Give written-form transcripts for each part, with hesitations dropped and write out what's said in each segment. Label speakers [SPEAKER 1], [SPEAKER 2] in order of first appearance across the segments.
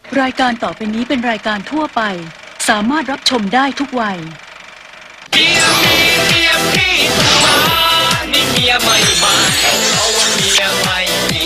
[SPEAKER 1] รายการต่อไปนี้เป็นรายการทั่วไปสามารถรับชมได้ทุกวัย
[SPEAKER 2] เมียพี่มานี่เมียไม่มาเพราะว่าเมียไม่มี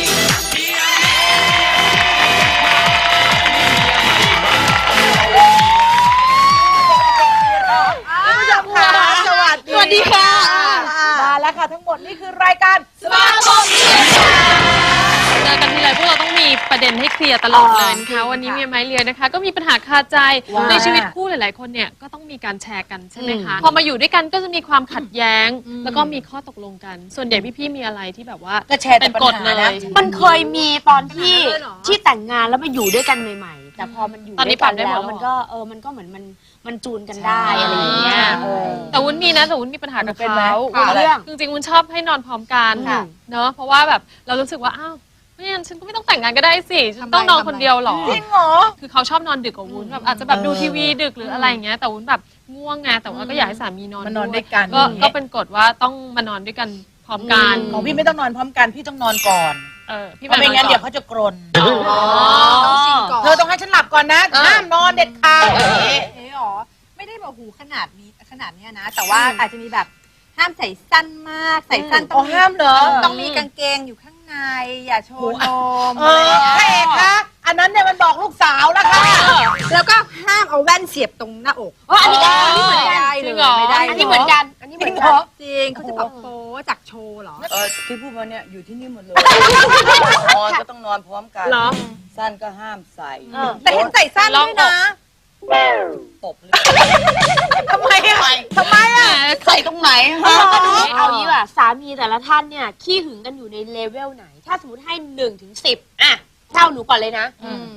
[SPEAKER 3] สวัสดีค่ะมาแล้วค่ะทั้งหมดนี่คือรายการสมาคมเมีย
[SPEAKER 4] เจอกันทีไรพวกเราต้องมีประเด็นให้เคลียร์ตลอดเลยนะคะวันนี้เมียไม้เรียนะคะก็มีปัญหาคาใจในชีวิตคู่หลายๆคนเนี่ยก็ต้องมีการแชร์กันใช่ไหมคะพอมาอยู่ด้วยกันก็จะมีความขัดแย้งแล้วก็มีข้อตกลงกันส่วนใหญ่พี่ๆมีอะไรที่แบบว่าเป็นกฎเลย
[SPEAKER 5] มันเคยมีตอนที่แต่งงานแล้วมาอยู่ด้วยกันใหม่ๆแต่พอมันอยู่ด้วยกันแล้วมันก็เหมือนมันจูนกันได้อะไรอย่างเงี้ย
[SPEAKER 4] แต่วุ้นมีนะแต่วุ้นมีปัญหากับเขาจริงๆวุ้นชอบให้นอนพร้อมกันเนอะเพราะว่าแบบเรารู้สึกว่าอ้าวไม่งั้นฉันก็ไม่ต้องแต่งงานก็ได้สิฉันต้องนอนคนเดียวหรอ
[SPEAKER 3] จริงเหรอ
[SPEAKER 4] คือเขาชอบนอนดึกกว่าวุ้นแบบอาจจะแบบดูทีวีดึกหรืออะไรอย่างเงี้ยแต่วุ้นแบบง่วงไงแต่ว่าก็อยากให้สามีนอน
[SPEAKER 3] ด้วยกัน
[SPEAKER 4] ก็เป็นกฎว่าต้องมานอนด้วยกันพร้อมกัน
[SPEAKER 3] ของพี่ไม่ต้องนอนพร้อมกันพี่ต้องนอนก่อน
[SPEAKER 4] พี่
[SPEAKER 3] ไม่งั้นเดี๋ยวเขาจะกรน
[SPEAKER 5] ต้องซิงก่อน
[SPEAKER 3] เธอต้องให้ฉันหลับก่อนนะห้ามนอนเด็ดขาด
[SPEAKER 6] อ๋อไม่ได้แบบหูขนาดนี้นะแต่ว่าอาจจะมีแบบห้ามใส่สั้นมากใส่สั้นต้อง
[SPEAKER 3] ห้ามเหรอ
[SPEAKER 6] ต้องมีกางเกงอยู่ข้างในอย่าโชว์นม
[SPEAKER 3] พระเอกคะอันนั้นเนี่ยมันบอกลูกสาวแล้วค่ะ
[SPEAKER 6] แล้วก็ห้ามเอาแว่นเสียบตรงหน้าอก
[SPEAKER 5] อันนี้เหมือนกัน
[SPEAKER 6] ไม่ได้
[SPEAKER 5] อันนี้เหมือนกัน
[SPEAKER 6] จริงเขาจะแบบโป๊จากโชว์เหรอ
[SPEAKER 7] ที่พูดมาเนี่ยอยู่ที่นี่หมดเลยนอนก็ต้องนอนพร้อมกันสั้นก็ห้ามใส่
[SPEAKER 6] แต่เห็นใส่สั้นด้วยนะ
[SPEAKER 7] ตบเลย
[SPEAKER 3] ทำไมอ่ะ
[SPEAKER 7] ใส่ตรงไหน
[SPEAKER 5] เอางี้ว่ะสามีแต่ละท่านเนี่ยขี้หึงกันอยู่ในเลเวลไหนถ้าสมมติให้1 ถึง 10อ่ะเท่าหนูก่อนเลยนะ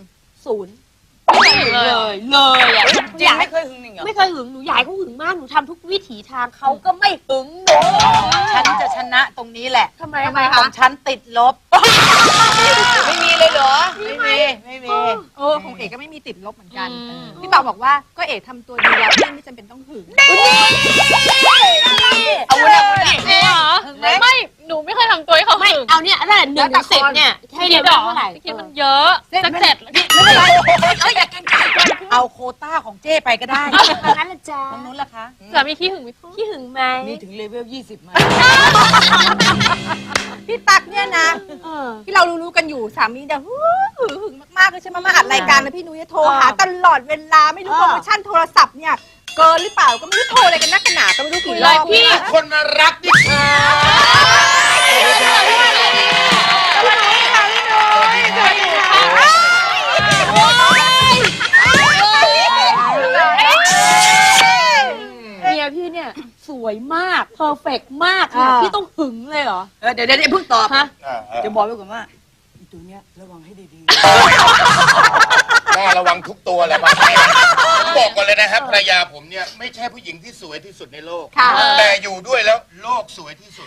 [SPEAKER 5] 0ไม่เคยหึงเลยอ่ะ
[SPEAKER 7] จริงไม่เคยหึงหนึ่งเหรอ
[SPEAKER 5] ไม่เคยหึงหนูอยากให้เขาหึงมากหนูทำทุกวิถีทางเขาก็ไม่หึงหนู
[SPEAKER 3] ฉันจะชนะตรงนี้แหละ
[SPEAKER 5] ทำไม
[SPEAKER 3] ของฉันติดลบ
[SPEAKER 7] ไม่มีเลยเหรอ
[SPEAKER 3] ไม่มี
[SPEAKER 6] ของเอกก็ไม่มีติดลบเหมือนกันพี่บ่าวบอกว่าก็เอกทำตัวดีแล้วไม่จำเป็นต้องหึง
[SPEAKER 7] เอาวุ้น
[SPEAKER 4] ไม่หนูไม่เคยทำตัวให้เขาหึง
[SPEAKER 5] เอาเนี่ยอะไร1 ถึง 10เนี่ยให้เลเวลเท่าไหร่
[SPEAKER 4] คิดมันเยอะสัก7
[SPEAKER 3] ไม่เป็นไรอยากกินเอาโควต้าของเจ้ไปก็ได้
[SPEAKER 5] งั้นละจ้า
[SPEAKER 3] ตรงนู้นล่ะคะ
[SPEAKER 4] สามีขี้หึงไหม
[SPEAKER 5] ขี้หึงไหม
[SPEAKER 7] นี่ถึงเลเวล20มา
[SPEAKER 6] พี่ตั๊กเนี่ยนะที่เรารู้กันอยู่สามีจะหึงมากๆเลยใช่ไหมมาอัดรายการแล้วพี่นุ้ยโทรหาตลอดเวลาไม่รู้โปรโมชั่นโทรศัพท์เนี่ยเกินหรือเปล่าก็ไม่รู้โทรอะไรกันนักกันหนาก็ไม่รู้กี่รอบ
[SPEAKER 4] พี่
[SPEAKER 2] คนมารักดิค่ะ
[SPEAKER 5] เมียพี่เนี่ยสวยมากเพอร์เฟกต์มากค่ะพี่ต้องหึงเลยเหรอ
[SPEAKER 7] เดี๋ยวเพิ่งตอบจะบอกไว้ก่อนว่าตัวเนี้ยระวังให้ดี
[SPEAKER 2] ๆน่าระวังทุกตัวแหละมาบอกก่อนเลยนะครับภรรยาผมเนี่ยไม่ใช่ผู้หญิงที่สวยที่สุดในโลกแต่อยู่ด้วยแล้วโลกสวยที่สุด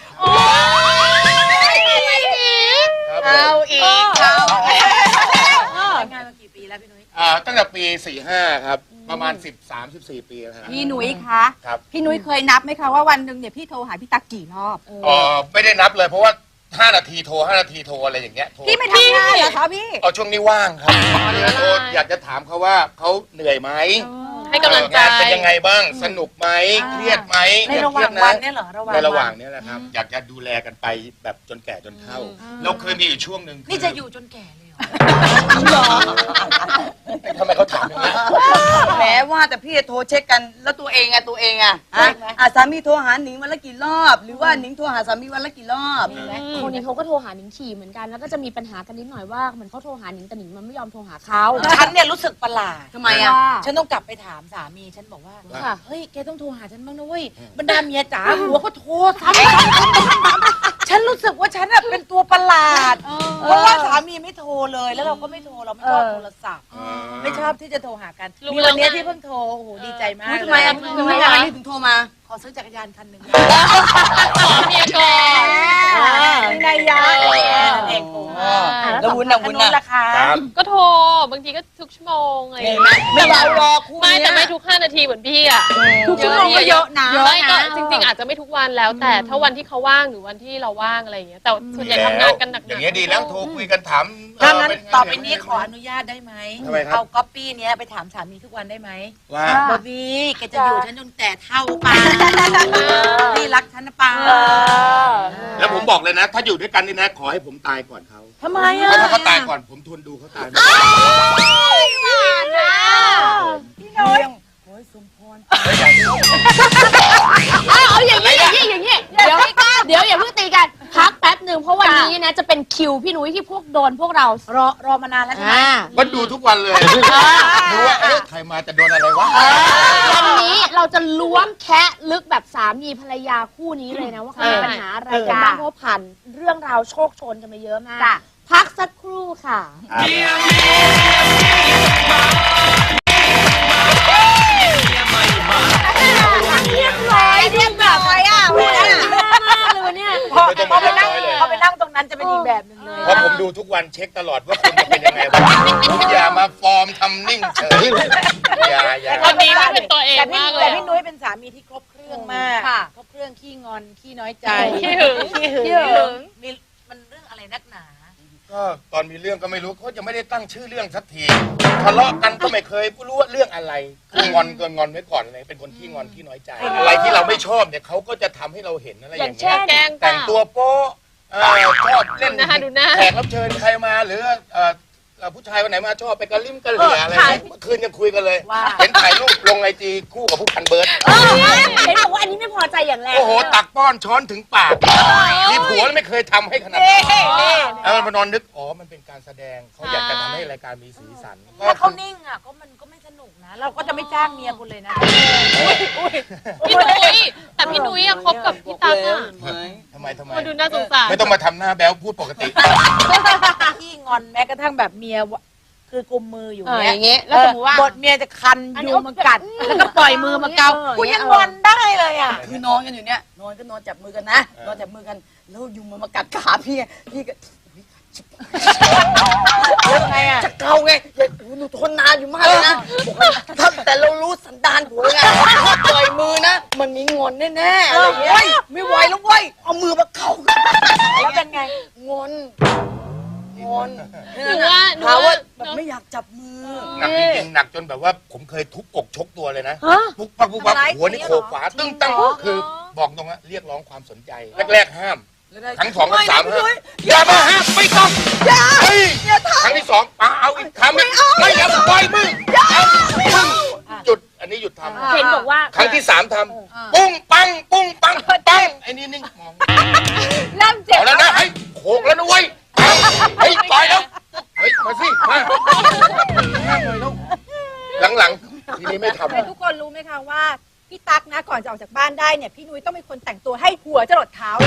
[SPEAKER 3] เอาอีก
[SPEAKER 6] งานมากี่ปีแล้วพี่นุ้ย
[SPEAKER 2] ตั้งแต่ปี45ครับประมาณ13-14 ปีแล้วครับ
[SPEAKER 6] พี่นุ้ยคะพี่นุ้ยเคยนับไหมคะว่าวันหนึ่งเนี่ยพี่โทรหาพี่ตั๊กกี่รอบ
[SPEAKER 2] ไม่ได้นับเลยเพราะว่า5 นาทีโทร5 นาทีโทรอะไรอย่างเงี้ย
[SPEAKER 6] พี่ไม่ทำงานเหรอคะพี่
[SPEAKER 2] ช่วงนี้ว่างครับโทรอยากจะถามเขาว่าเขาเหนื่อยไหม
[SPEAKER 4] ให้กำลังใจ
[SPEAKER 2] เป็นยังไงบ้างสนุกไหมเครียดไหม
[SPEAKER 3] ในระหว่างวันเนี่ยเหรอ
[SPEAKER 2] ในระหว่างนี้แหละครับอยากจะดูแลกันไปแบบจนแก่จนเฒ่าเราเคยมีอยู่ช่วงหนึ่ง
[SPEAKER 3] นี่จะอยู่จนแก่เลย
[SPEAKER 2] ทำไมเขาถามอย่างนี้
[SPEAKER 7] แหมว่าแต่พี่โทรเช็คกันแล้วตัวเองสามีโทรหาหนิงวันละกี่รอบหรือว่าหนิงโทรหาสามีวันละกี่รอบ
[SPEAKER 5] คนนี้เขาก็โทรหาหนิงฉี่เหมือนกันแล้วก็จะมีปัญหากันนิดหน่อยว่าเหมือนเขาโทรหาหนิงแต่หนิงมันไม่ยอมโทรหาเขา
[SPEAKER 3] ฉันเนี่ยรู้สึกประหลาด
[SPEAKER 7] ทำไมอ่ะ
[SPEAKER 3] ฉันต้องกลับไปถามสามีฉันบอกว่าเฮ้ยแกต้องโทรหาฉันบ้างนะเว้ยบรรดาเมียจ๋าหัวก็โทรซ้ำฉันรู้สึกว่าฉันเป็นตัวประหลาดเพราะว่าสามีไม่โทรเลยแล้วเราก็ไม่โทรเราไม่ชอบโทรศัพท์ไม่ชอบที่จะโทรหากันมีวันนี้ที่เพิ่งโทรโอ้โหดีใจมาก
[SPEAKER 7] ทำไมถึงโทรมา
[SPEAKER 3] ขอซื้อจักรยานคันหนึ่ง
[SPEAKER 4] เมียก่อน
[SPEAKER 3] มีนายยาเอง
[SPEAKER 7] แล้ววุ้น
[SPEAKER 3] ราคา
[SPEAKER 4] ก็โทรบางทีก็ทุกชั่วโมงอะไรอย่าง
[SPEAKER 7] เห็น
[SPEAKER 4] เงี้
[SPEAKER 7] ไหม
[SPEAKER 4] ย
[SPEAKER 7] ไม่เบาหรอกคู่
[SPEAKER 4] ไม่
[SPEAKER 7] เนี้ย
[SPEAKER 4] แต่ไม่ทุก5 นาทีเหมือนพี่อ่ะ
[SPEAKER 6] ทุกชั่วโมงก็เยอะนะ
[SPEAKER 4] ไม่ก็จริง ๆ อาจจะไม่ทุกวันแล้วแต่ถ้าวันที่เขาว่างหรือวันที่เราว่างอะไรอย่างเงี้ยแต่ส่วนใหญ่ทำงานกันหนักๆ
[SPEAKER 2] อย่างเงี้ยดีแล้วโทรคุยกันถาม
[SPEAKER 3] ถ้างั้น
[SPEAKER 2] เป็ไง
[SPEAKER 3] ต่อไปนี้ขออนุญาตได้ไหม
[SPEAKER 2] ทำไมครับ
[SPEAKER 3] เอาก๊อปปี้เนี้ยไปถามสามีทุกวันได้ไหม
[SPEAKER 2] ว่า
[SPEAKER 3] บอบบี้แกจะอยู่ฉันจนแก่เท่าป่าพี่รักฉันนะป่า
[SPEAKER 2] แล้วผมบอกเลยนะ ถ้าอยู่ด้วยกันนี่นะ ขอให้ผมตายก่อนเขา
[SPEAKER 3] ทำไมอ่ะ
[SPEAKER 2] เพราะถ้าเขาตายก่อนผมทนดูเขาตายไม่ได้
[SPEAKER 5] เอาอย่างนี้อย่างนี้เดี๋ยวอย่าเพิ่งตีกันพักแป๊บหนึ่งเพราะวันนี้นะจะเป็นคิวพี่นุ้ยที่พวกโดนพวกเรา
[SPEAKER 3] รอมานานแล้วใช่ไหม
[SPEAKER 2] ก็ดูทุกวันเลยดูว่าเอ๊ะใครมาจะโดนอะไรวะ
[SPEAKER 5] วันนี้เราจะล้วงแคะลึกแบบสามีภรรยาคู่นี้เลยนะว่าเขามีปัญหาอะไรกันบ้างเพราะผ่านเรื่องราวโชคโชนกันมาเยอะมากพักสักครู่ค่ะ เรียบร้อยอ่ะวันนี้มากเลยวันเนี้ย
[SPEAKER 2] ไม่ต้องมาเรียบร้อยเลย
[SPEAKER 3] เขาไปนั่งตรงนั้นจะเป็นอีกแบบหนึงเลย
[SPEAKER 2] เพราะผมดูทุกวันเช็คตลอดว่าคุณจะเป็นยังไงบ้างอย่ามาฟอร์มทำนิ่งเฉยอย่า
[SPEAKER 4] วันนี้ไม่เป็นตัวเอง
[SPEAKER 3] แต่พี่
[SPEAKER 4] มากเล
[SPEAKER 3] แต่
[SPEAKER 4] ย
[SPEAKER 3] พี่นุ้ยเป็นสามีที่ครบเครื่องมากครบเครื่องขี้งอนขี้น้อยใจ
[SPEAKER 4] ขี้หึง
[SPEAKER 3] ขี้หึงมีมันเรื่องอะไรนักหนา
[SPEAKER 2] ก็ตอนมีเรื่องก็ไม่รู้เขาจะไม่ได้ตั้งชื่อเรื่องสักทีทะเลาะกันก็ไม่เคยรู้ว่าเรื่องอะไรคืองอนก็งอนไว้ก่อนเลยเป็นคนขี้งอนขี้น้อยใจ อะไรที่เราไม่ชอบเนี่ยเขาก็จะทำให้เราเห็นอะไรอย่างเงี้ย
[SPEAKER 4] แกล้ง
[SPEAKER 2] แต่งตัวโป๊ะชอบเล่น
[SPEAKER 4] ดูหน้า
[SPEAKER 2] แขกรับเชิญใครมาหรือผู้ชายคนไหนมาชอบไปกระลิ่มกระเหลี่ยอะไรเมื่อคืนยังคุยกันเลย เห็นถ่ายรูปลงไอจีคู่กับผู้พันเบิร์ด
[SPEAKER 5] เห็นบอกว่าอันนี้ไม่พอใจอย่างแรง
[SPEAKER 2] โอ้โหตักป้อนช้อนถึงปากมีผัวไม่เคยทำให้ขนาดนี้มานอนนึกอ๋อมันเป็นการแสดงเขาอยากจะทำให้รายการมีสีสัน
[SPEAKER 3] ถ้าเขานิ่งอ่ะก็มันก็ไม่สนุกนะ เราก็จะไม่จ้างเมียคุณเลยนะ
[SPEAKER 4] พี่นุ้ยแต่พี่นุ้ยอะคบกับพี่ตั๊กอะ
[SPEAKER 2] ทำไม
[SPEAKER 4] มาดูน่าสงสาร
[SPEAKER 2] ไม่ต้องมาทำหน้าแบ๊วพูดปกติ
[SPEAKER 3] ขี้งอนแม้กระทั่งแบบเมียคือกุมมืออยู่
[SPEAKER 5] อย่างเงี้ยแล้วสมมติว่า
[SPEAKER 3] บทเมียจะคันยุงมากัดแล้วก็ปล่อยมือมาเกากูยังงอนได้เลยอ่ะ
[SPEAKER 7] คือนอนกันอยู่เนี่ยนอนก็นอนจับมือกันนะนอนจับมือกันแล้วยุงมันมากัดขาพี่ไงพี่ก็
[SPEAKER 3] แล้วไงอ่ะ
[SPEAKER 7] จะเกาไงอย่าหนูทนนานอยู่มากเลยนะบอกว่าถ้าแต่เรารู้สันดานผัวไงถ้าปล่อยมือนะมันมีงอนแน่ๆอะไรอย่างเงี้ยไม่ไหวแล้วเว้ยเอามือมาเกา
[SPEAKER 3] แล้วเป็นไง
[SPEAKER 7] งอนงอน
[SPEAKER 4] หนูว่า
[SPEAKER 7] หาว่าแบบไม่อยากจับมือ
[SPEAKER 2] หนักจริงๆหนักจนแบบว่าผมเคยทุบอกชกตัวเลยนะปุ๊บปั๊บปุ๊บปั๊บหัวนี่โขกฝาตึ้งตั้งคือบอกตรงว่าเรียกร้องความสนใจแรกๆห้ามครั้ง 2 ครั้ง 3ห้ามอย่ามาห้ามไม่ต้องเฮ้ยครั้งที่ 2เอาอีกครั้งไม่เอาปล่อยมือหยุดอันนี้หยุดทำ
[SPEAKER 5] เห็นบอกว่า
[SPEAKER 2] ครั้งที่ 3ทำปุ้งปังปุ้งปังปังไอ้นี่นิ่งมอง
[SPEAKER 3] เริ่มเจ็บ
[SPEAKER 2] เอาแล้วนะเฮ้ยโขกแล้วนะเว้ยเฮ้ยปล่อยแล้วเฮ้ยมาสิมาหลังๆทีนี้ไม่ทำ
[SPEAKER 6] แต่ทุกคนรู้ไหมคะว่าพี่ตั๊กนะก่อนจะออกจากบ้านได้เนี่ยพี่นุ้ยต้องเป็นคนแต่งตัวให้หัวจรดเท้า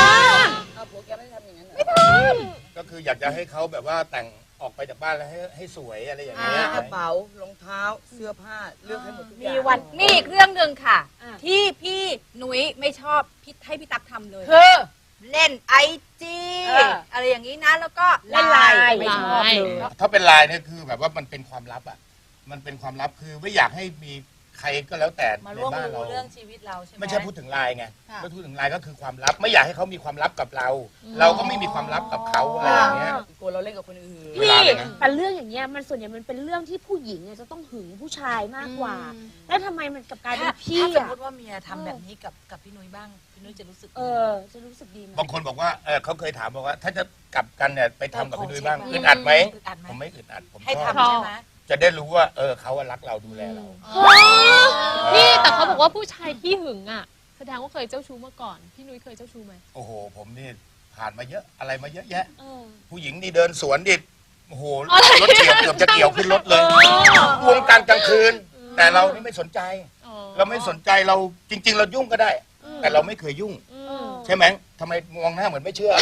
[SPEAKER 2] ก็คืออยากจะให้เขาแบบว่าแต่งออกไปจากบ้านแล้วให้สวยอะไรอย่างเงี้ย
[SPEAKER 7] กระเป๋ารองเท้าเสื้อผ้าเลือกให้หมดทุกอย่าง
[SPEAKER 6] มีอีกเรื่องหนึ่งค่ะ ที่พี่นุ้ยไม่ชอบให้พี่ตั๊กทำเลย
[SPEAKER 3] คือ
[SPEAKER 6] เล่นไอจีอะไรอย่างนี้นะแล้วก็เล่นไลน์ไม่ชอบเลย
[SPEAKER 2] ถ้าเป็นไลน์เนี่ยคือแบบว่ามันเป็นความลับอ่ะมันเป็นความลับคือไม่อยากให้มีใครก็แล้วแต่
[SPEAKER 3] มา
[SPEAKER 2] ใน
[SPEAKER 3] ร่วม
[SPEAKER 2] บ้านเรา
[SPEAKER 3] รู้เรื่องชีวิตเราใช่ไหม
[SPEAKER 2] ไม่ใช่พูดถึงไลน์ไงไม่พูดถึงไลน์ก็คือความลับ ไม่อยากให้เขามีความลับกับเรา เราก็ไม่มีความลับกับเขาอะไรอย่างเงี้ย
[SPEAKER 7] กลัวเราเล่นกับคนอื่น
[SPEAKER 2] เวลาเลยนะ
[SPEAKER 5] แต่เรื่องอย่างเงี้ยมันส่วนใหญ่มันเป็นเรื่องที่ผู้หญิงเนี่ยจะต้องหึงผู้ชายมากกว่า แล้วทำไมมันกลับกลายเป็นพี่
[SPEAKER 3] ถ้าสม
[SPEAKER 5] อะ
[SPEAKER 3] มติว่าเมียทำแบบนี้กับพี่นุ้ยบ้างพี่นุ้ยจะรู้สึก
[SPEAKER 5] จะรู้สึกดีไหม
[SPEAKER 2] บางคนบอกว่าเขาเคยถามบอกว่า ถ้าจะกลับกันเนี่ยไปทำกับพี่นุ้ยบ้าง
[SPEAKER 3] ขอเช็ค
[SPEAKER 2] อึดอัดไหม
[SPEAKER 3] อึดอัดไหม
[SPEAKER 2] ผมไม่อึดอัดผม
[SPEAKER 3] ให้
[SPEAKER 2] ชอบ
[SPEAKER 3] ทำใช่ไหม
[SPEAKER 2] จะได้รู้ว่าเขารักเราดูแลเรา
[SPEAKER 4] พี่แต่เขาบอกว่าผู้ชายที่หึงอ่ะแสดงว่าเคยเจ้าชู้มาก่อนพี่นุ้ยเคยเจ้าชู้ไหม
[SPEAKER 2] โอ้โห ผมนี่ผ่านมาเยอะอะไรมาเยอะแยะ
[SPEAKER 4] เออ
[SPEAKER 2] ผู้หญิงนี่เดินสวนดิโอ้โหรถเกี่ยวเกือบจะเกี่ยวขึ้นรถเลยวงการกลางคืน แต่เรานี่ไม่สนใจ
[SPEAKER 4] อ๋อ
[SPEAKER 2] เราไม่สนใจเราจริง ๆ เรายุ่งก็ได้ แต่เราไม่เคยยุ่ง ใช่ไหมทำไมมองหน้าเหมือนไม่เชื่อ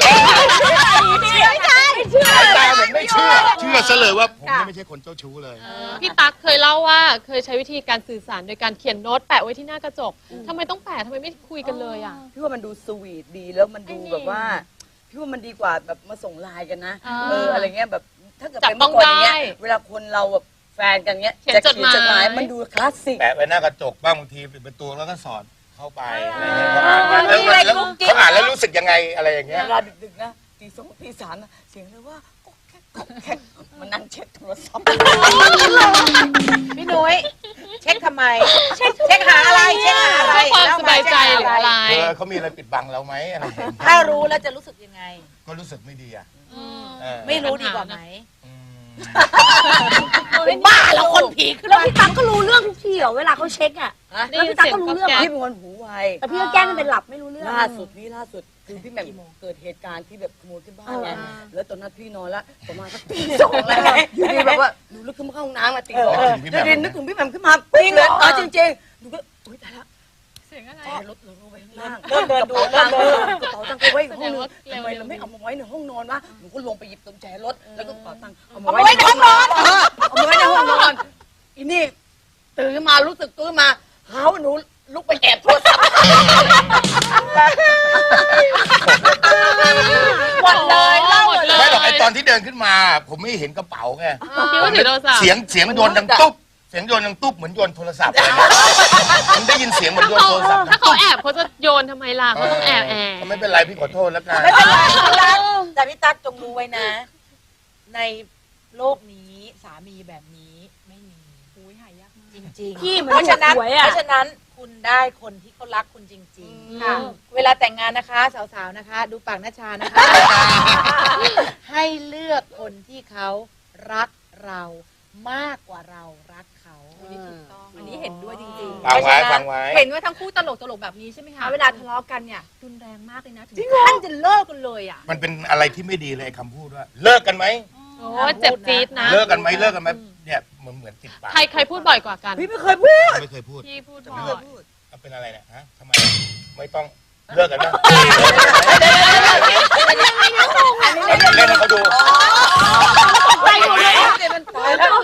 [SPEAKER 2] สายตาเหมือนไม่เชื่อ เชื่อซะเลยว่าผมนี่ไม่ใช่คนเจ้าชู้เลย
[SPEAKER 4] พี่ตั๊กเคยเล่าว่าเคยใช้วิธีการสื่อสารโดยการเขียนโน้ตแปะไว้ที่หน้ากระจกทำไมต้องแปะทำไมไม่คุยกันเลยอ่ะ
[SPEAKER 7] พี่ว่ามันดูสวีทดีแล้วมันดูแบบว่าพี่ว่ามันดีกว่าแบบมาส่งไลน์กันนะ
[SPEAKER 4] อ่า
[SPEAKER 7] อะไรเงี้ยแบบถ้าเกิด
[SPEAKER 4] จับ
[SPEAKER 7] เป็นเมื่อก่อนอย่างเงี้ย
[SPEAKER 4] ต้องได้
[SPEAKER 7] เวลาคนเราแบบแฟนกันเงี้ย
[SPEAKER 4] เขียน
[SPEAKER 7] จะ
[SPEAKER 4] จดหมาย
[SPEAKER 7] มันดูคลาสสิก
[SPEAKER 2] แปะไว้หน้ากระจกบ้างบางทีปิดประตูแล้วก็สอดเข้าไปอะไรเงี้ย
[SPEAKER 3] มีอะไร
[SPEAKER 2] แล้ว
[SPEAKER 3] กุ๊กกิ๊ก
[SPEAKER 2] เขาอ่านแล้วรู้สึกยังไงอะไรอย่างเงี้ย
[SPEAKER 7] เวลาดึกๆนะตีสองตีสามนะเสียงเลยว่าก็แค่มันนั่งเช็คโทรศัพท์
[SPEAKER 3] พี่นุ้ยเช็คทำไม เช็คหาอะไรเช็คหาอะไร
[SPEAKER 4] เพื่อความ
[SPEAKER 3] เล่
[SPEAKER 4] สบายใจหรืออะไร
[SPEAKER 2] เขามีอะไรปิดบังเราไหมอะไรอย่างเงี้ย
[SPEAKER 3] ถ้ารู้แล้วจะรู้สึกยังไง
[SPEAKER 2] ก็รู้สึกไม่ดีอ่ะ
[SPEAKER 4] อืม
[SPEAKER 2] เออ
[SPEAKER 3] ไม่รู้ดีกว่าไหม
[SPEAKER 2] อืม
[SPEAKER 3] เป็นบ้าแล้วคนผีขึ้น
[SPEAKER 5] แล้ว
[SPEAKER 3] มา
[SPEAKER 5] พี่ตั๊กก็รู้เรื่องทุกทีเหรอเวลาเขาเช็คอะ
[SPEAKER 4] ได้ยิน
[SPEAKER 5] แล้วพี่ตั๊ก
[SPEAKER 4] เสียง
[SPEAKER 5] ก็รู้เรื่องเหรอ
[SPEAKER 7] พี่เป็นคนหูไว
[SPEAKER 5] แต่พี่ก็แกล้งเป็นหลับไม่รู้เรื่อง
[SPEAKER 7] ล่าสุดคือพี่แหม่มเกิดเหตุการณ์ที่แบบขโมยขึ้นบ้านไงแล้วตอนนั้นพี่นอนแล้วประมาณสักตีสองแล้วไงอยู่ดีแบบว่าหนูลุกขึ้นมาเข้าห้องน้ำมาตีสองนึกถึงพี่แหม่มขึ้นมาปิ้งเลยจริงๆหนูก็อุ้ยตายละ
[SPEAKER 4] เสียงอะไร
[SPEAKER 7] รถเราลงไปข้างล่าง
[SPEAKER 3] เริ่มเดินดู
[SPEAKER 7] กระ
[SPEAKER 3] เริ่มเดิน
[SPEAKER 7] เป๋าตังค์ไปไว้อีกห้องนึง
[SPEAKER 4] แสดงว่า
[SPEAKER 7] ทำไมเราไม่เอามาไว้ในห้องนอนวะหนูก็ลงไปหยิบกุญแจรถแล้วก็กระเป๋าตังค์เอามา
[SPEAKER 3] เอา
[SPEAKER 7] ไว้
[SPEAKER 3] ไว้
[SPEAKER 7] ใน
[SPEAKER 3] ใน
[SPEAKER 7] ห้
[SPEAKER 3] ห้
[SPEAKER 7] อ
[SPEAKER 3] อง ง
[SPEAKER 7] น
[SPEAKER 3] น
[SPEAKER 7] อ
[SPEAKER 3] อน น
[SPEAKER 7] เอามาไว้ในห้องนอนอีนี่ตื่นขึ้นมารู้สึกตื่นมาหาว่าหนูลุกไปแอบโทรศัพท์
[SPEAKER 3] หมดเลยเล่าหมดเลย
[SPEAKER 2] ไม่หรอกไอตอนที่เดินขึ้นมา ผมไม่เห็นกระเป๋าไง
[SPEAKER 4] คิดว่าถือโทรศัพท์
[SPEAKER 2] เสียงโยนดังตุ๊บเสียงโยนดังตุ๊บเหมือนโยนโทรศัพท์อะไรเงี้ยผมได้ยินเสียงเหมือนโยนโทรศัพท์
[SPEAKER 4] ถ้าเขาแอบเขาจะโยนทำไมล่ะเขาต้องแอบ
[SPEAKER 2] ก็ไม่เป็นไรพี่ขอโทษแล้วกัน
[SPEAKER 3] ไม่เป็นไรพี่ตั๊กแต่พี่ตั๊กจงรู้ไว้นะ ในโลกนี้สามีแบบนี้ไม่มีหายากจริงๆ
[SPEAKER 5] พี่เหมือน
[SPEAKER 3] เพราะฉะนั้น
[SPEAKER 5] หวยอะ
[SPEAKER 3] เพราะฉะนั้นคุณได้คนที่เขารักคุณจริงๆค่ะ เวลาแต่งงานนะคะ สาวๆนะคะ ดูปากหน้าชานะคะ ให้เลือกคนที่เขารักเรามากกว่าเรารักเขา
[SPEAKER 6] อันนี้ถูกต้องอันนี้เห็นด้วยจริงๆ
[SPEAKER 2] ฟังไว้ฟังไว้
[SPEAKER 6] เห็นว่าทั้งคู่ตลกๆแบบนี้ใช่ไหมคะ เวลาทะเลาะกันเนี่ยรุนแรงมากเลยนะ ถึงขั้นจะเลิกกันเลยอ่ะ
[SPEAKER 2] มันเป็นอะไรที่ไม่ดีเลยไอ้คำพูดว่า เลิกกันไหม
[SPEAKER 4] โอ้เจ็บจี๊ดนะ
[SPEAKER 2] เลิกกันไหมเลิกกันไหมเนี่ยเหมือนติดปาก
[SPEAKER 4] ใครพูดบ่อยกว่ากัน
[SPEAKER 7] พี่ไม่เคยพูด
[SPEAKER 2] ไม่เคยพูด
[SPEAKER 4] พี่พูด
[SPEAKER 2] จะ
[SPEAKER 4] บ่
[SPEAKER 2] ไม่
[SPEAKER 4] อ
[SPEAKER 2] เคย
[SPEAKER 4] ย
[SPEAKER 2] พูดเอาเป็นอะไรเนี่ยฮะทำไมไม่ต้องเลิกกันนะเล่นให้เขาดู
[SPEAKER 7] ไปหมดเลยมันตายแล้ว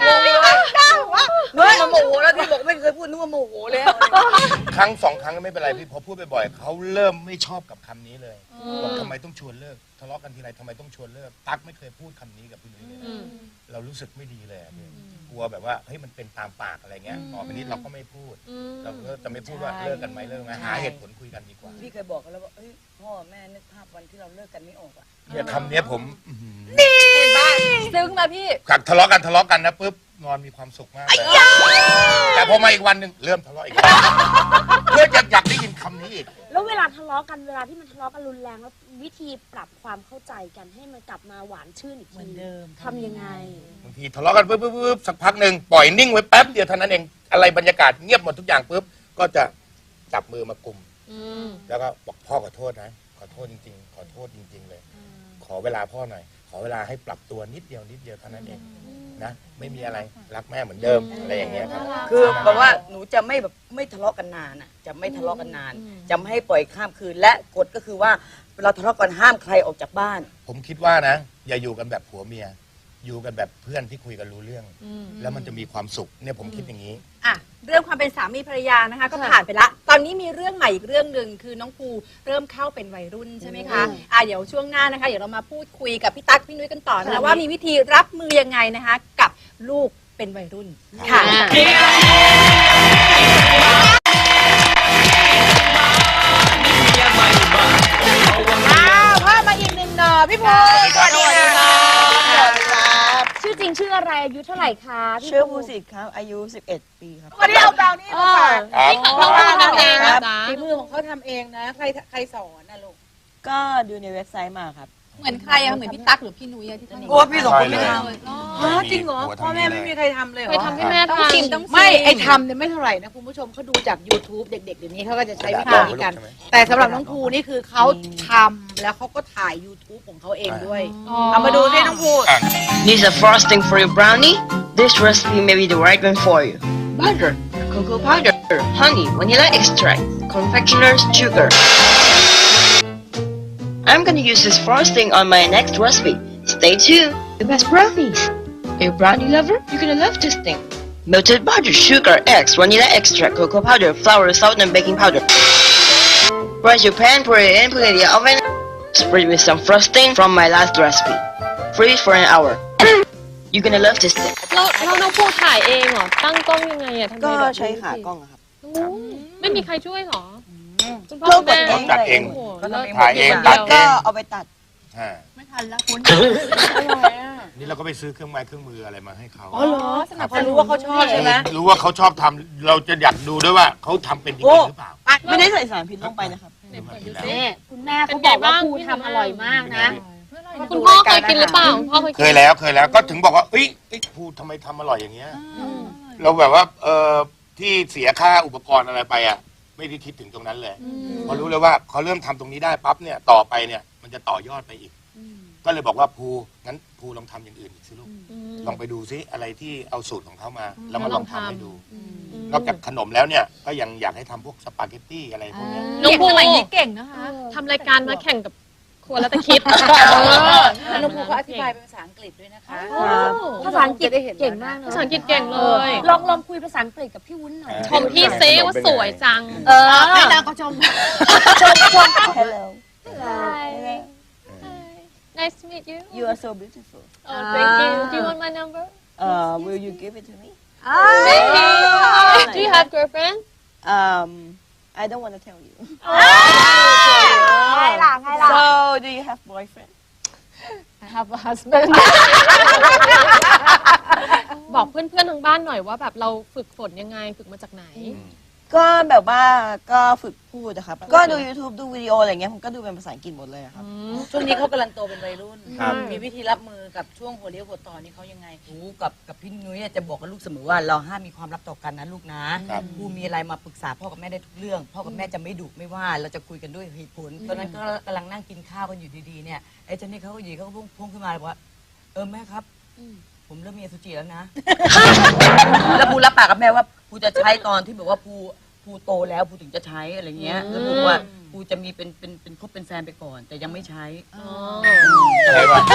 [SPEAKER 7] นึกว่าโมโหแล้วที่บอกไม่เคยพูดนึกว่าโมโหแล้ว
[SPEAKER 2] ครั้งสองครั้งก็ไม่เป็นไรพี่พอพูดบ่อยๆเขาเริ่มไม่ชอบกับคำนี้เลยบอกทำไมต้องชวนเลิกทะเลาะกันทีไรทำไมต้องชวนเลิกตั๊กไม่เคยพูดคำนี้กับพี่นุ้ยเลย
[SPEAKER 4] อืม
[SPEAKER 2] เรารู้สึกไม่ดีเลยอะพี่กลัวแบบว่าเฮ้ยมันเป็นตามปากอะไรเงี้ยต่อไปนี้เราก็ไม่พูด
[SPEAKER 4] อืม
[SPEAKER 2] เราก็จะไม่พูดว่าเลิกกันไหมเลิกไหมหาเหตุผลคุยกันดีกว่า
[SPEAKER 7] พี่เคยบอกกันแล้วว่าเอ้ยพ่อแม่นึกภาพวันที่เราเลิกกันไม่ออกอ่ะ
[SPEAKER 2] เนี่ยคำเนี้ยผมอื้อหือ
[SPEAKER 6] ซึ้งนะพี่
[SPEAKER 2] ทะเลาะกันนะปุ๊บนอนมีความสุขมากเลยแต่พอมาอีกวันหนึ่งเริ่มทะเลาะอีกแล้วเพื่ออยากได้ยินคำนี้อีก
[SPEAKER 5] แล้วเวลาทะเลาะกันเวลาที่มันทะเลาะกันรุนแรงแล้ววิธีปรับความเข้าใจกันให้มันกลับมาหวานชื่นอีก
[SPEAKER 3] เหมื
[SPEAKER 5] ที
[SPEAKER 3] อนเดิม
[SPEAKER 5] ทำยังไง
[SPEAKER 2] บางทีทะเลาะกันปุ๊บสักพักหนึ่งปล่อยนิ่งไว้แป๊บเดียวเท่านั้นเองอะไรบรรยากาศเงียบหมดทุกอย่างปุ๊บก็จะจับมือมากลุ่ม
[SPEAKER 4] อืม
[SPEAKER 2] แล้วก็บอกพ่อขอโทษนะขอโทษจริงๆ ขอโทษจริง ๆ เลย ขอเวลาพ่อหน่อย ขอเวลาให้ปรับตัวนิดเดียวเท่านั้นเองนะไม่มีอะไรรักแม่เหมือนเดิมอะไรอย่างเงี้ยครับ
[SPEAKER 7] คือแบบว่าหนูจะไม่แบบไม่ทะเลาะกันนานอ่ะจะไม่ทะเลาะกันนาน จะไม่ให้ปล่อยข้ามคืนและกฎก็คือว่าเราทะเลาะกันห้ามใครออกจากบ้าน
[SPEAKER 2] ผมคิดว่านะ อย่าอยู่กันแบบผัวเมีย อยู่กันแบบเพื่อนที่คุยกันรู้เรื่อง แล้วมันจะมีความสุขเนี่ยผมคิดอย่างนี้
[SPEAKER 6] อ่ะเรื่องความเป็นสามีภรรยานะคะ ก็ผ่านไปละ ตอนนี้มีเรื่องใหม่อีกเรื่องหนึ่งคือน้องภูเริ่มเข้าเป็นวัยรุ่นใช่ไหมคะเดี๋ยวช่วงหน้านะคะเดี๋ยวเรามาพูดคุยกับพี่ตั๊กพี่นุ้ยกันต่อนะว่ามีวิธีรับมือยังไงนะคะ กับลูกเป็นวัยรุ่นค่ะ
[SPEAKER 3] พ่อมาอีกหนึ่งหน่อพี่ภูสวัสดีค่ะ
[SPEAKER 5] ชื่อจริงชื่ออะไรอายุเท่าไหร่คะพี่
[SPEAKER 8] ชื่อภูสิทธิ์ครับ อายุ 11 ปีครับ
[SPEAKER 3] วันนี้เอาเบราวนี่มาฝาก
[SPEAKER 2] ครับ
[SPEAKER 4] นี่ของเราทำเองนะจ๊ะ
[SPEAKER 3] ฝีมือของเขาทำเองนะ ใครสอนนะลูก
[SPEAKER 8] ก็ดูในเว็บไซต์มาครับ
[SPEAKER 6] เหมือนใครอะเหมือนพี่ตั๊กหรือพี่นุ้ยอะที่ทำ
[SPEAKER 7] โอ้พี่สองคนไม่ท
[SPEAKER 3] จริงเหรอพ่อแม่ไม่มีใครทำเลยเหร
[SPEAKER 4] เคย
[SPEAKER 3] อ
[SPEAKER 4] ทำให้แม่ทาน
[SPEAKER 3] ไม่ไอทำเนี่ยไม่เท่าไหร่นะคุณผู้ชมเขาดูจาก YouTube เด็กๆเดี๋ยวนี้เขาก็จะใช้วิธีนี้กัน แต่สำหรับน้องภูนี่คือเขาทำแล้วเขาก็ถ่าย YouTube ของเขาเองด้วย เอามาดูสิน้องภู
[SPEAKER 8] This is a frosting for your brownie. This recipe may be the right one for you. Butter, cocoa powder, honey, vanilla extract, confectioner's sugar. I'm gonna use this frosting on my next recipe. Stay tuned. The best brownies. Are you a brownie lover? You're gonna love this thing. Melted butter, sugar, eggs, vanilla extract, cocoa powder, flour, salt, and baking powder. Brush your pan, pour it in, put it in the oven. Spread with some frosting from my last recipe. Freeze for an hour. You're gonna love this thing.
[SPEAKER 4] เราน้องภูถ่ายเองเหรอตั้งกล้องยังไงอะทำไม
[SPEAKER 9] ก็
[SPEAKER 4] แบบ
[SPEAKER 9] ใช้ขากล้องอะครับ
[SPEAKER 4] ไม่มีใครช่วยเหรอคุณพ่อ
[SPEAKER 9] เรา
[SPEAKER 4] คุณ
[SPEAKER 9] กด
[SPEAKER 4] แม่
[SPEAKER 9] เอง
[SPEAKER 2] จัดเอง
[SPEAKER 4] โอ้โห
[SPEAKER 7] ก็ทำเอง
[SPEAKER 2] ถ่ายเอง
[SPEAKER 4] เดี
[SPEAKER 2] ตัด
[SPEAKER 4] ยว
[SPEAKER 2] เอ
[SPEAKER 9] ก็
[SPEAKER 2] ง
[SPEAKER 9] เอาไปตัด
[SPEAKER 2] อ่า
[SPEAKER 3] ไม่ทันแล้วคุณ
[SPEAKER 2] นี่เราก็ไปซื้อเครื่องไม้เครื่องมืออะไรมาให้เขา
[SPEAKER 3] อ๋อเหรอสนับสนุนรู้ว่าเขาชอบใช่ไหม
[SPEAKER 2] รู้ว่าเขาชอบทำเราจะอยากดูด้วยว่าเขาทำเป็นจริงๆหรือเปล่า
[SPEAKER 9] ไม่ได้ใส่สารพิษลงไปนะครับ
[SPEAKER 5] นี่คุณแม่เขาบอกว่าภูทำอร่อยมากนะ
[SPEAKER 4] คุณพ่อเคยกินหรือเปล่าคุณพ่อเคย
[SPEAKER 2] เค
[SPEAKER 4] กิน
[SPEAKER 2] ยแล้วก็ถึงบอกว่าเอ้ยพูดทำไมทำอร่อยอย่างเงี้ยเราแบบว่าที่เสียค่าอุปกรณ์อะไรไปอ่ะไม่ได้คิดถึงตรงนั้นเลยพอรู้เลยว่าเขาเริ่มทำตรงนี้ได้ปั๊บเนี่ยต่อไปเนี่ยมันจะต่อยอดไปอีก ก็เลยบอกว่าภูงั้นภูลองทำอย่างอื่นอีกสิลูกลองไปดูซิอะไรที่เอาสูตรของเขามา แล้วมาลองทำให้ดู นอกจากขนมแล้วเนี่ยก็ยังอยากให้ทำพวกสปาเกตตี้อะไรพวกเนี้ย
[SPEAKER 4] น้องภู
[SPEAKER 1] สมัยนี้เก่งนะคะ
[SPEAKER 4] ทำรายการมาแข่งกับครัวแล้วตะคิด
[SPEAKER 3] น้องภูเขาอธิบายเป็นภาษาอังกฤษด้วยนะคะ
[SPEAKER 5] ภาษาอังกฤษเก่งมาก
[SPEAKER 4] ภาษาอังกฤษเก่งเลย
[SPEAKER 5] ลองคุยภาษาอังกฤษกับพี่วุ้นหน่อย
[SPEAKER 4] ชมพี่เซว่าสวยจัง
[SPEAKER 3] ให้นางก็ชม
[SPEAKER 9] Hello
[SPEAKER 4] Nice to meet you
[SPEAKER 9] you are so beautiful
[SPEAKER 4] Oh thank you Do you want my number
[SPEAKER 9] will you give it to me
[SPEAKER 4] Maybe Do you have girlfriend
[SPEAKER 9] I don't want to tell you
[SPEAKER 5] ไงล่ะ
[SPEAKER 9] so do you have boyfriend
[SPEAKER 4] I have a husband บอกเพื่อนๆทางบ้านหน่อยว่าแบบเราฝึกฝนยังไงฝึกมาจากไหน
[SPEAKER 9] ก็แบบว่าก็ฝึกพูดนะครับก็ดู YouTube ดูวิดีโออะไรเงี้ยผมก็ดูเป็นภาษาอังกฤษหมดเลยครับ
[SPEAKER 3] ช่วงนี้เขากำลังโตเป็นวัยรุ่น
[SPEAKER 2] ครับ
[SPEAKER 3] มีวิธีรับมือกับช่วงหัวเลี้ยวหัวต่อนี่เขายังไง
[SPEAKER 7] หนูกับพี่นุ้ยจะบอกกับลูกเสมอว่าเราห้ามมีความลับต่อกันนะลูกนะครับ กูมีอะไรมาปรึกษาพ่อกับแม่ได้ทุกเรื่อง พ่อกับแม่จะไม่ดุไม่ว่าเราจะคุยกันด้วยเหตุผลตอนนั้นก็กำลังนั่งกินข้าวกันอยู่ดีๆเนี่ยไอ้เจนนี่เขาก็อยู่เขาก็พุ่งขึ้นมาเลยว่าแม่ครับผมเริ่มมีอสุจิแล้วนะ แล้วภูรับปากกับแม่ว่าภูจะใช้ตอนที่แบบว่าภูโตแล้วภูถึงจะใช้อะไรเงี้ยแล้วภูว่าภูจะมีเป็นคบเป็นแฟนไปก่อน แต่ยังไม่ใช้
[SPEAKER 2] ใช่ป่ะ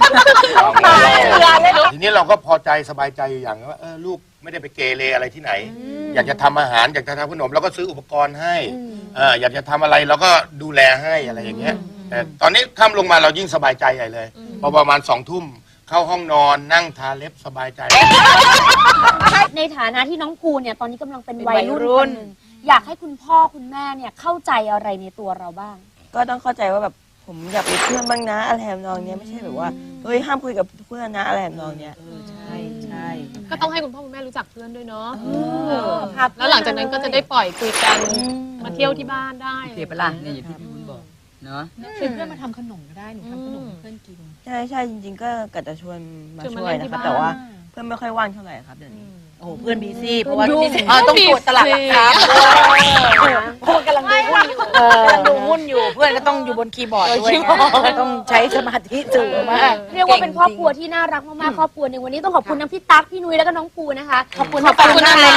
[SPEAKER 2] ทีนี้เราก็พอใจสบายใจอยู่อย่างว่าลูกไม่ได้ไปเกเรอะไรที่ไหน อยากจะทำอาหารอยากจะทำขนมเราก็ซื้ออุปกรณ์ให้อยากจะทำอะไรเราก็ดูแลให้อะไรอย่างเงี้ยแต่ตอนนี้ค่ำลงมาเรายิ่งสบายใจใหญ่เลยพอประมาณ2 ทุ่มเข้าห้องนอนนั่งทาเล็บสบายใจ
[SPEAKER 5] ในฐานะที่น้องภูเนี่ยตอนนี้กำลังเป็นวัยรุ่นคนหนึ่งอยากให้คุณพ่อคุณแม่เนี่ยเข้าใจอะไรในตัวเราบ้าง
[SPEAKER 9] ก็ต้องเข้าใจว่าแบบผมอยากเป็นเพื่อนบ้างนะอะไรทำนองเนี้ยไม่ใช่แบบว่าเฮ้ยห้ามคุยกับเพื่อนนะอะไรทำนองเนี้ย
[SPEAKER 7] ใช่
[SPEAKER 4] ก็ต้องให้คุณพ่อคุณแม่รู้จักเพื่อนด้วยเนาะแล้วหลังจากนั้นก็จะได้ปล่อยคุยกันมาเที่ยวที่บ้านได้
[SPEAKER 7] โอเคปะล่ะเนี่ยอย่างที่พี่วุ้นบอกเนาะ
[SPEAKER 3] ชวนเพื่อนมาทำขนมก็ได้หนูทำขนมให้เพื่อนกิน
[SPEAKER 9] ใช่จริงๆก็กะจะชวนมา
[SPEAKER 4] ชวนมา
[SPEAKER 9] ช่วย
[SPEAKER 4] เล่นที่
[SPEAKER 9] นะครับ
[SPEAKER 4] บ้าน
[SPEAKER 9] แต่ว่าเพื่อนไม่ค่อยว่างเท่าไหร่ครับเดี๋ยวนี้
[SPEAKER 3] โอ้โหเพื่อนบีซี่เพราะว่า
[SPEAKER 4] ยุ่ง
[SPEAKER 3] ต้องตรวจตลาดหลักทรัพย์เพราะกำลังดูหุ้นอยู่กำลังดูหุ้นอยู่ เพื่อนก็ต้องอยู่บนคีย์บอร์ดด้วยต้องใช้สมาธิสูงมาก
[SPEAKER 5] เรียกว่าเป็นครอบครัวที่น่ารักมากๆครอบครัวหนึ่งวันนี้ต้องขอบคุณทั้งพี่ตั๊กพี่นุ้ยแล้วก็น้องภูนะคะขอบคุณ
[SPEAKER 4] ขอบคุณนะคะ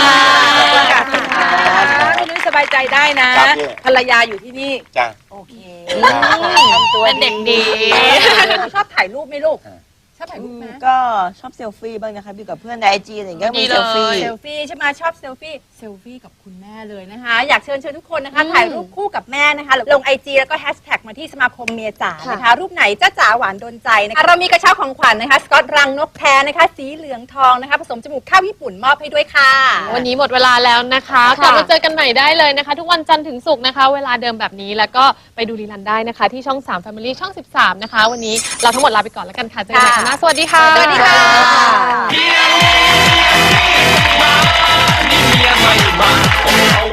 [SPEAKER 3] พี่นุ้ยสบายใจได้นะ
[SPEAKER 2] ครับพี่
[SPEAKER 3] ภรรยาอยู่ที่นี่
[SPEAKER 2] จ้ะ
[SPEAKER 3] โอเค
[SPEAKER 2] ทำตัว
[SPEAKER 4] เป็นเด็กดี
[SPEAKER 3] ชอบถ่ายรูปไหมลูก ชอบถ่ายรูปไหม
[SPEAKER 9] ก็ชอบเซลฟี่บ้างนะครับอยู่กับเพื่อนในไอจีอะไรอย่างเงี้ยก็มีเซลฟี่
[SPEAKER 6] เซลฟี่ใช่ไหมชอบเซลฟี่กับคุณแม่เลยนะคะ อยากเชิญทุกคนนะคะ ถ่ายรูปคู่กับแม่นะคะ ลง IG แล้วก็แฮชแท็กมาที่สมาคมเมียจ๋านะคะ รูปไหนจ้าจ๋าหวานโดนใจนะคะเรามีกระเช้าของขวัญนะคะสกอตรังนกแท้นะคะ สีเหลืองทองนะคะ ผสมจมูกข้าวญี่ปุ่นมอบให้ด้วยค่ะ
[SPEAKER 4] วันนี้หมดเวลาแล้วนะคะกลับมาเจอกันใหม่ได้เลยนะคะ ทุกวันจันทร์ถึงศุกร์นะคะ เวลาเดิมแบบนี้แล้วก็ไปดูรีลันได้นะคะ ที่ช่อง 3 Family ช่อง 13 นะคะ วันนี้เราทั้งหมดลาไปก่อนแล้วกันค่ะเจอกันใหม่ครั้งหน้าสวัสดีค่ะ
[SPEAKER 6] สวัสดีค่ะ
[SPEAKER 10] นี่เมียใหม่มา